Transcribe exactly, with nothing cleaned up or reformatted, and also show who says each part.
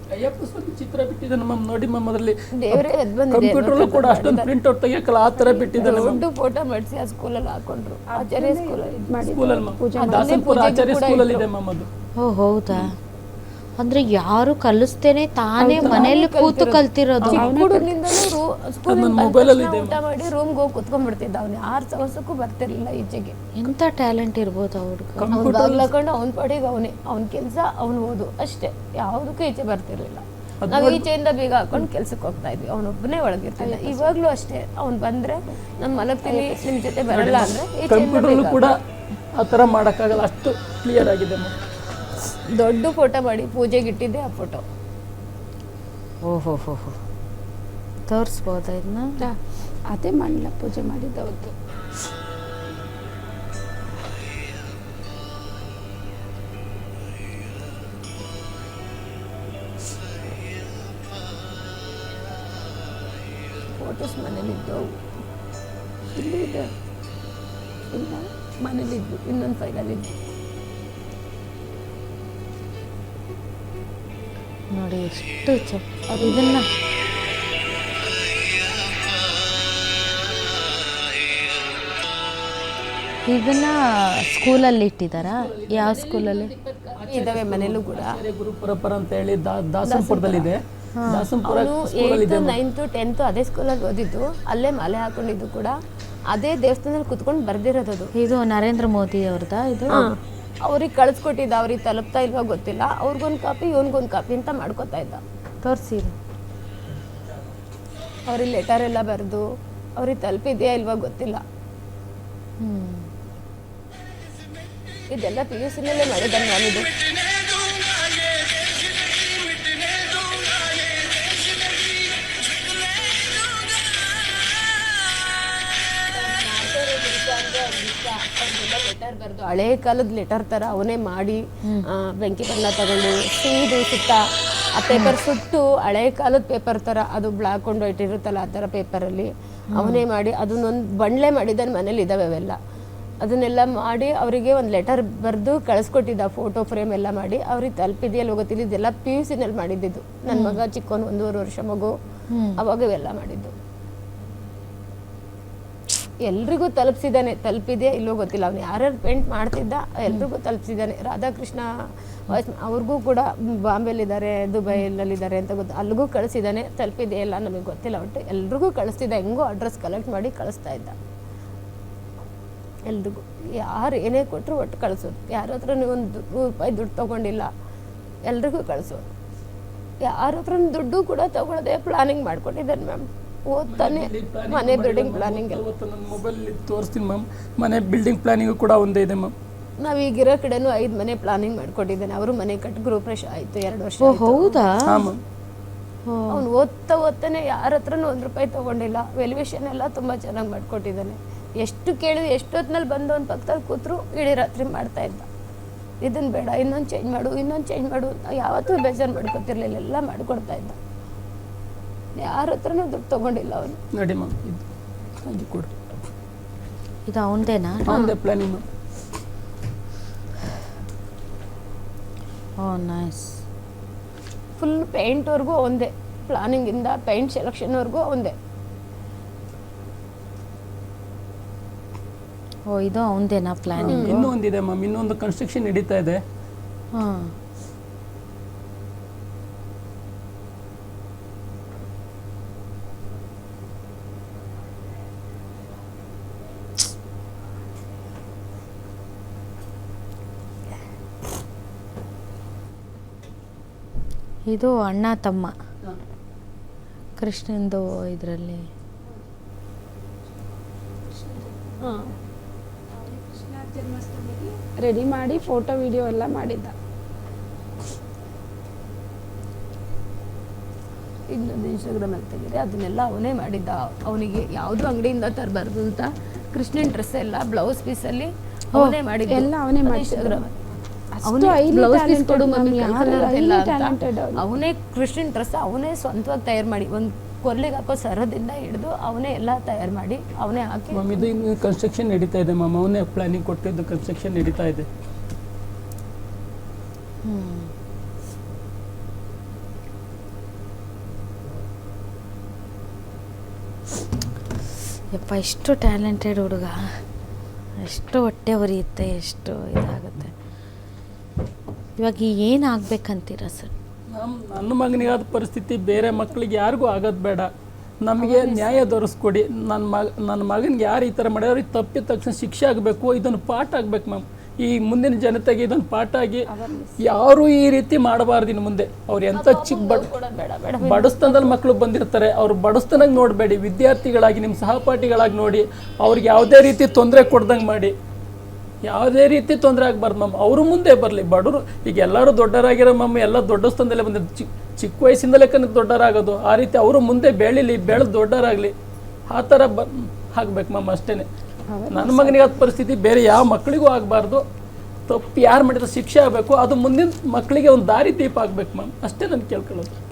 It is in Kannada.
Speaker 1: ಅಯ್ಯಪ್ಪ ಸ್ವಾಮಿ ಚಿತ್ರ ಬಿಟ್ಟಿದ್ದಾನೆ ಮ್ಯಾಮ್ ನೋಡಿ ಮ್ಯಾಮ್ ಅದರಲ್ಲಿ
Speaker 2: ದೇವರೇ ಎದ್ದು ಬಂದಿದೆ
Speaker 1: ಕಂಪ್ಯೂಟರ್ ಕೂಡ ಅಷ್ಟೊಂದು ಪ್ರಿಂಟ್ ಔಟ್ ತೆಗಿಯಕ್ಕಲ್ಲ ಆ ಥರ ಬಿಟ್ಟಿದ್ದಾನೆ
Speaker 2: ದೊಡ್ಡ ಫೋಟೋ ಮಾಡಿಸಿ ಆ ಸ್ಕೂಲಲ್ಲಿ ಹಾಕೊಂಡ್ರು ಆಚಾರ್ಯ ಸ್ಕೂಲಲ್ಲಿ
Speaker 1: ಸ್ಕೂಲಲ್ಲಿ ಮ್ಯಾಮ್ ದಾಸನಪುರ ಆಚಾರ್ಯ ಸ್ಕೂಲಲ್ಲಿ ಇದೆ ಮ್ಯಾಮ್ ಅದು.
Speaker 3: ಓ ಹೌದಾ, ಅಂದ್ರೆ ಯಾರು ಕಲಿಸ್ತೇನೆ ತಾನೇ ಮನೇಲಿ ಕೂತು ಕಲ್ತಿರೋದು.
Speaker 2: ಊಟ ಮಾಡಿ ರೂಮ್ಗೆ ಹೋಗಿ ಕುತ್ಕೊಂಡ್ಬಿಡ್ತಿದ್ದ ಅವ್ನು ಯಾರ ಸವಸಕ್ಕೂ ಬರ್ತಿರ್ಲಿಲ್ಲ ಈಚೆಗೆ.
Speaker 3: ಎಂತ ಟ್ಯಾಲೆಂಟ್ ಇರ್ಬೋದು ಅವ್ರಿಗೆ.
Speaker 2: ಅವ್ನು ಬಾಗ್ಲಾಕೊಂಡು ಅವ್ನ ಪಾಡಿಗೆ ಅವನೇ ಅವ್ನ ಕೆಲಸ ಅವ್ನು ಓದು ಅಷ್ಟೇ, ಯಾವುದಕ್ಕೂ ಈಚೆ ಬರ್ತಿರ್ಲಿಲ್ಲ. ನಾವು ಈಚೆಯಿಂದ ಬೀಗ ಹಾಕೊಂಡು ಕೆಲ್ಸಕ್ಕೆ ಹೋಗ್ತಾ ಇದ್ವಿ, ಅವನೊಬ್ಬನೇ ಒಳಗಿರ್ತಿದ್ದ. ಇವಾಗ್ಲೂ ಅಷ್ಟೇ, ಅವ್ನು ಬಂದ್ರೆ ನಮ್ಮ ಮಲಗ್ತೀನಿ ನಿಮ್ ಜೊತೆ ಬರಲ್ಲ ಅಂದ್ರೆ
Speaker 1: ಕಂಪ್ಯೂಟರ್ ಕೂಡ ಆ ಥರ ಮಾಡೋಕ್ಕಾಗಲ್ಲ, ಅಷ್ಟು ಕ್ಲಿಯರ್ ಆಗಿದೆ ಮ್ಯಾಮ್.
Speaker 2: ದೊಡ್ಡ ಫೋಟೋ ಮಾಡಿ ಪೂಜೆಗೆ ಇಟ್ಟಿದ್ದೆ ಆ ಫೋಟೋ.
Speaker 3: ಓಹೋ ಹೋ ಹೋ ತೋರಿಸ್ಬೋದಾ ಇದನ್ನ?
Speaker 4: ಅದೇ ಮಾಡಲ್ಲ ಪೂಜೆ ಮಾಡಿದ್ದ ಅವತ್ತು.
Speaker 2: ಫೋಟೋಸ್ ಮನೇಲಿದ್ದವು, ಇಲ್ಲಿ ಇದೆ ಇಲ್ಲ ಮನೇಲಿದ್ದು, ಇನ್ನೊಂದು ಫೈಲಲ್ಲಿದ್ದು.
Speaker 3: ನೋಡಿ ಎಷ್ಟು ಚ ಇದನ್ನ ಇದನ್ನ ಸ್ಕೂಲಲ್ಲಿ ಇಟ್ಟಿದ್ದಾರಾ? ಯಾವ ಸ್ಕೂಲಲ್ಲಿ
Speaker 2: ಇದಾವೆ? ಮನೇಲೂ ಕೂಡ
Speaker 1: ಗುರು ಪರಂಪರ ಅಂತ ಹೇಳಿ ದಾಸನಪುರದಲ್ಲಿದೆ.
Speaker 2: ಏಯ್ತು ನೈನ್ತು ಟೆಂತು ಅದೇ ಸ್ಕೂಲಲ್ಲಿ ಓದಿದ್ದು, ಅಲ್ಲೇ ಮಾಲೆ ಹಾಕೊಂಡಿದ್ದು ಕೂಡ ಅದೇ ದೇವಸ್ಥಾನದಲ್ಲಿ ಕುತ್ಕೊಂಡು ಬರ್ದಿರೋದು ಅದು.
Speaker 3: ಇದು ನರೇಂದ್ರ ಮೋದಿ ಅವ್ರದಾ ಇದು?
Speaker 2: ಅವ್ರಿಗೆ ಕಳಿಸ್ಕೊಟ್ಟಿದ್ದ, ಅವ್ರಿಗೆ ತಲುಪ್ತಾ ಇಲ್ವಾ ಗೊತ್ತಿಲ್ಲ, ಅವ್ರಿಗೊಂದು ಕಾಪಿ ಇವನ್ಗೊಂದು ಕಾಪಿ ಅಂತ ಮಾಡ್ಕೋತಾ ಇದ್ದ.
Speaker 3: ತೋರಿಸಿ
Speaker 2: ಅವ್ರಿಗೆ ಲೆಟರ್ ಎಲ್ಲ ಬರೆದು ಅವ್ರಿಗೆ ತಲುಪಿದೆಯಾ ಇಲ್ವಾ ಗೊತ್ತಿಲ್ಲ.
Speaker 3: ಹ್ಮ್
Speaker 2: ಇದೆಲ್ಲ ಪಿ ಯು ಸಿನಲ್ಲೇ ಮಾಡಿದ್ದಾನೆ ನಾನಿದು. ಲೆಟರ್ ಬರೆದು ಹಳೆ ಕಾಲದ ಲೆಟರ್ ತರ ಅವನೇ ಮಾಡಿ ಬೆಂಕಿ ಬಣ್ಣ ತಗೊಂಡು ಸೀದು ಸುತ್ತ ಆ ಪೇಪರ್ ಸುಟ್ಟು ಹಳೆ ಕಾಲದ ಪೇಪರ್ ತರ ಅದು ಬ್ಲಾಕ್ ಕೊಂಡು ಇಟ್ಟಿರುತ್ತಲ್ಲ ಆ ಥರ ಪೇಪರಲ್ಲಿ ಅವನೇ ಮಾಡಿ ಅದನ್ನೊಂದು ಬಂಡ್ಲೆ ಮಾಡಿದ್ದಾನೆ. ಮನೇಲಿ ಇದ್ದಾವೆ ಅವೆಲ್ಲ. ಅದನ್ನೆಲ್ಲ ಮಾಡಿ ಅವರಿಗೆ ಒಂದು ಲೆಟರ್ ಬರೆದು ಕಳಿಸ್ಕೊಟ್ಟಿದ್ದ, ಫೋಟೋ ಫ್ರೇಮ್ ಎಲ್ಲ ಮಾಡಿ. ಅವ್ರಿಗೆ ತಲುಪಿದೆಯಲ್ಲ ಗೊತ್ತಿಲ್ಲ. ಇದೆಲ್ಲ ಪಿ ಯು ಸಿನಲ್ಲಿ ಮಾಡಿದ್ದು. ನನ್ನ ಮಗ ಚಿಕ್ಕವನು, ಒಂದೂವರೆ ವರ್ಷ ಮಗು, ಅವಾಗ ಇವೆಲ್ಲ ಮಾಡಿದ್ದು. ಎಲ್ರಿಗೂ ತಲುಪಿಸಿದ್ದಾನೆ. ತಲುಪಿದೆಯಾ ಇಲ್ಲೋ ಗೊತ್ತಿಲ್ಲ, ಅವ್ನು ಯಾರ್ಯಾರು ಪೇಂಟ್ ಮಾಡ್ತಿದ್ದ ಎಲ್ರಿಗೂ ತಲುಪಿಸಿದ್ದಾನೆ. ರಾಧಾಕೃಷ್ಣ ವಾಯ್ಸ್ ಅವ್ರಿಗೂ ಕೂಡ ಬಾಂಬೆಲಿದ್ದಾರೆ, ದುಬೈಲಲ್ಲಿದ್ದಾರೆ ಅಂತ ಗೊತ್ತು, ಅಲ್ಲಿಗೂ ಕಳಿಸಿದ್ದಾನೆ. ತಲುಪಿದೆಯಾ ಇಲ್ಲ ನಮಗೆ ಗೊತ್ತಿಲ್ಲ, ಒಟ್ಟು ಎಲ್ರಿಗೂ ಕಳಿಸ್ತಿದ್ದ. ಹೆಂಗೋ ಅಡ್ರೆಸ್ ಕಲೆಕ್ಟ್ ಮಾಡಿ ಕಳಿಸ್ತಾ ಇದ್ದ ಎಲ್ರಿಗೂ. ಯಾರು ಏನೇ ಕೊಟ್ಟರು ಒಟ್ಟು ಕಳಿಸೋದು. ಯಾರ ಹತ್ರ ಒಂದು ನೂರು ರೂಪಾಯಿ ದುಡ್ಡು ತೊಗೊಂಡಿಲ್ಲ, ಎಲ್ರಿಗೂ ಕಳಿಸೋದು. ಯಾರ ಹತ್ರ ದುಡ್ಡು ಕೂಡ ತೊಗೊಳದೆ ಪ್ಲಾನಿಂಗ್ ಮಾಡ್ಕೊಂಡಿದ್ದಾನೆ ಮ್ಯಾಮ್. ಓದ್ತಾನೆ ಮನೆ ಬಿಲ್ಡಿಂಗ್ ಪ್ಲಾನಿಂಗ್ ಎಲ್ಲ
Speaker 1: ನನ್ನ ಮೊಬೈಲಲ್ಲಿ ತೋರಿಸ್ತೀನಿ ಮ್ಯಾಮ್. ಮನೆ ಬಿಲ್ಡಿಂಗ್ ಪ್ಲಾನಿಂಗ್ ಕೂಡ ಒಂದೇ ಇದೆ ಮ್ಯಾಮ್.
Speaker 2: ನಾವೀಗಿರೋ ಕಡೆನೂ ಐದು ಮನೆ ಪ್ಲಾನಿಂಗ್ ಮಾಡ್ಕೊಂಡಿದ್ದಾನೆ. ಅವರು ಮನೆ ಕಟ್ಟು ಗೃಹಪ್ರವೇಶ ಆಯಿತು, ಎರಡು ವರ್ಷ.
Speaker 3: ಹೌದಾ?
Speaker 2: ಅವ್ನು ಓದ್ತಾ ಓದ್ತಾನೆ ಯಾರ ಹತ್ರನೂ ಒಂದು ರೂಪಾಯಿ ತೊಗೊಂಡಿಲ್ಲ. ವೆಲ್ಯುವೇಷನ್ ಎಲ್ಲ ತುಂಬ ಚೆನ್ನಾಗಿ ಮಾಡ್ಕೊಟ್ಟಿದ್ದಾನೆ. ಎಷ್ಟು ಕೇಳಿದ್ರು, ಎಷ್ಟೊತ್ತಿನಲ್ಲಿ ಬಂದು ಒಂದು ಪಕ್ಕದಲ್ಲಿ ಕೂತರು ಇಡೀ ರಾತ್ರಿ ಮಾಡ್ತಾ ಇದ್ದ. ಇದನ್ನು ಬೇಡ, ಇನ್ನೊಂದು ಚೇಂಜ್ ಮಾಡು, ಇನ್ನೊಂದು ಚೇಂಜ್ ಮಾಡು ಅಂತ ಯಾವತ್ತೂ ಬೇಜಾರು ಮಾಡ್ಕೊತಿರ್ಲಿಲ್ಲ. ಎಲ್ಲ ಮಾಡ್ಕೊಡ್ತಾ ಇದ್ದ. ಯಾರ ಹತ್ರನೂ ದುಡ್ಡು ತೊಗೊಂಡಿಲ್ಲ ಅವನು.
Speaker 1: ನೋಡಿ ಮ್ಯಾಮ್, ಇದು ಹಾಗೆ ಕೊಡು.
Speaker 3: ಇದು ಅವನದೇನಾ?
Speaker 1: ಅವನದೇ planning ma'am.
Speaker 3: Oh nice.
Speaker 2: Full ಪೇಂಟ್ವರೆಗೂ ಒಂದೇ, ಪ್ಲಾನಿಂಗಿಂದ ಪೇಂಟ್ ಸೆಲೆಕ್ಷನ್ವರೆಗೂ ಒಂದೇ.
Speaker 3: ಓ ಇದು ಅವನದೇನಾ ಪ್ಲಾನಿಂಗ್?
Speaker 1: ಇನ್ನೂ ಒಂದಿದೆ ಮ್ಯಾಮ್, ಇನ್ನೊಂದು ಕನ್ಸ್ಟ್ರಕ್ಷನ್ ನಡೀತಾ ಇದೆ.
Speaker 3: ಹಾಂ ಇದು ಅಣ್ಣ ತಮ್ಮ ಕೃಷ್ಣಂದು ಇದರಲ್ಲಿ.
Speaker 2: ಹಾಂ,
Speaker 4: ಕೃಷ್ಣ ಜನ್ಮಾಷ್ಟಮಿಗೆ ರೆಡಿ ಮಾಡಿ ಫೋಟೋ ವಿಡಿಯೋ ಎಲ್ಲ ಮಾಡಿದ್ದ.
Speaker 2: ಇನ್ನೊಂದು ಇನ್ಸ್ಟಾಗ್ರಾಮಲ್ಲಿ ತೆಗೆದ್ರೆ ಅದನ್ನೆಲ್ಲ ಅವನೇ ಮಾಡಿದ್ದ. ಅವನಿಗೆ ಯಾವುದು ಅಂಗಡಿಯಿಂದ ತರಬಾರ್ದು ಅಂತ ಕೃಷ್ಣನ್ ಡ್ರೆಸ್ ಎಲ್ಲ ಬ್ಲೌಸ್ ಪೀಸಲ್ಲಿ ಅವನೇ ಮಾಡಿದ್ದ.
Speaker 4: ಎಲ್ಲ ಅವನೇ ಮಾಡಿ
Speaker 2: ಇನ್ಸ್ಟಾಗ್ರಾಮಲ್ಲಿ
Speaker 4: ಅಷ್ಟು ಬ್ಲೌಸ್ ಪೀಸ್ ಕೊಡು ಮಮ್ಮಿ,
Speaker 2: ಅವನೇ ಕೃಷ್ಣನ್ ಡ್ರೆಸ್ ಅವನೇ ಸ್ವಂತವಾಗಿ ತಯಾರು ಮಾಡಿ, ಒಂದು ಕೊರ್ಲಿಗೆ ಹಾಕೋ ಸರದಿಂದ ಹಿಡಿದು ಅವನೇ ಎಲ್ಲ ತಯಾರು ಮಾಡಿ ಅವನೇ ಹಾಕಿ.
Speaker 1: ಮ್ಯಾಮ್ ಇದು ಇನ್ನು ಕನ್ಸ್ಟ್ರಕ್ಷನ್ ನಡೀತಾ ಇದೆ ಮ್ಯಾಮ್. ಅವನೇ ಪ್ಲಾನಿಂಗ್ ಕೊಟ್ಟಿದ್ದು ಕನ್ಸ್ಟ್ರಕ್ಷನ್ ನಡೀತಾ ಇದೆ.
Speaker 3: ಯಪ್ಪ ಎಷ್ಟು ಟ್ಯಾಲೆಂಟೆಡ್ ಹುಡುಗ, ಎಷ್ಟು ಹೊಟ್ಟೆ ಉರಿಯುತ್ತೆ, ಎಷ್ಟು ಇದಾಗುತ್ತೆ. ಇವಾಗ ಏನಾಗಬೇಕಂತೀರ ಸರ್?
Speaker 1: ನಮ್ಮ ನನ್ನ ಮಗನಿಗಾದ ಪರಿಸ್ಥಿತಿ ಬೇರೆ ಮಕ್ಕಳಿಗೆ ಯಾರಿಗೂ ಆಗೋದು ಬೇಡ, ನಮಗೆ ನ್ಯಾಯ ದೊರಸ್ಕೊಡಿ. ನನ್ನ ಮಗ ನನ್ನ ಮಗನಿಗೆ ಯಾರು ಈ ಥರ ಮಾಡ್ಯಾರ ಅವ್ರಿಗೆ ತಪ್ಪಿದ ತಕ್ಷಣ ಶಿಕ್ಷೆ ಆಗಬೇಕು, ಇದನ್ನು ಪಾಠ ಆಗಬೇಕು ಮ್ಯಾಮ್. ಈ ಮುಂದಿನ ಜನತೆಗೆ ಇದೊಂದು ಪಾಠ ಆಗಿ ಯಾರು ಈ ರೀತಿ ಮಾಡಬಾರ್ದು ಇನ್ನು ಮುಂದೆ. ಅವ್ರು ಎಂಥ ಚಿಕ್ಕ ಬಡ ಬಡಸ್ತನದಲ್ಲಿ ಮಕ್ಕಳು ಬಂದಿರ್ತಾರೆ, ಅವ್ರು ಬಡಸ್ತನಾಗ ನೋಡಬೇಡಿ, ವಿದ್ಯಾರ್ಥಿಗಳಾಗಿ ನಿಮ್ಮ ಸಹಪಾಠಿಗಳಾಗಿ ನೋಡಿ, ಅವ್ರಿಗೆ ಯಾವುದೇ ರೀತಿ ತೊಂದರೆ ಕೊಡ್ದಂಗೆ ಮಾಡಿ, ಯಾವುದೇ ರೀತಿ ತೊಂದರೆ ಆಗಬಾರ್ದು ಮ್ಯಾಮ್. ಅವರು ಮುಂದೆ ಬರಲಿ. ಬಡವರು ಈಗ ಎಲ್ಲರೂ ದೊಡ್ಡರಾಗಿರೋ ಮ್ಯಾಮ್, ಎಲ್ಲ ದೊಡ್ಡ ಸ್ಥಾನದಲ್ಲೇ ಬಂದಿದ್ದು, ಚಿಕ್ಕ ಚಿಕ್ಕ ವಯಸ್ಸಿಂದಲೇ ಕನಕ ದೊಡ್ಡರಾಗೋದು. ಆ ರೀತಿ ಅವರು ಮುಂದೆ ಬೆಳೀಲಿ, ಬೆಳೆದು ದೊಡ್ಡರಾಗಲಿ, ಆ ಥರ ಬ ಆಗ್ಬೇಕು ಮ್ಯಾಮ್. ಅಷ್ಟೇ ನನ್ನ ಮಗನಿಗೆ ಆದ ಪರಿಸ್ಥಿತಿ ಬೇರೆ ಯಾವ ಮಕ್ಕಳಿಗೂ ಆಗಬಾರ್ದು. ತಪ್ಪು ಯಾರು ಮಾಡಿದ್ರೆ ಶಿಕ್ಷೆ ಆಗಬೇಕು, ಅದು ಮುಂದಿನ ಮಕ್ಕಳಿಗೆ ಒಂದು ದಾರಿ ದೀಪ ಆಗ್ಬೇಕು ಮ್ಯಾಮ್. ಅಷ್ಟೇ ನಾನು ಕೇಳ್ಕೊಳ್ಳೋದು.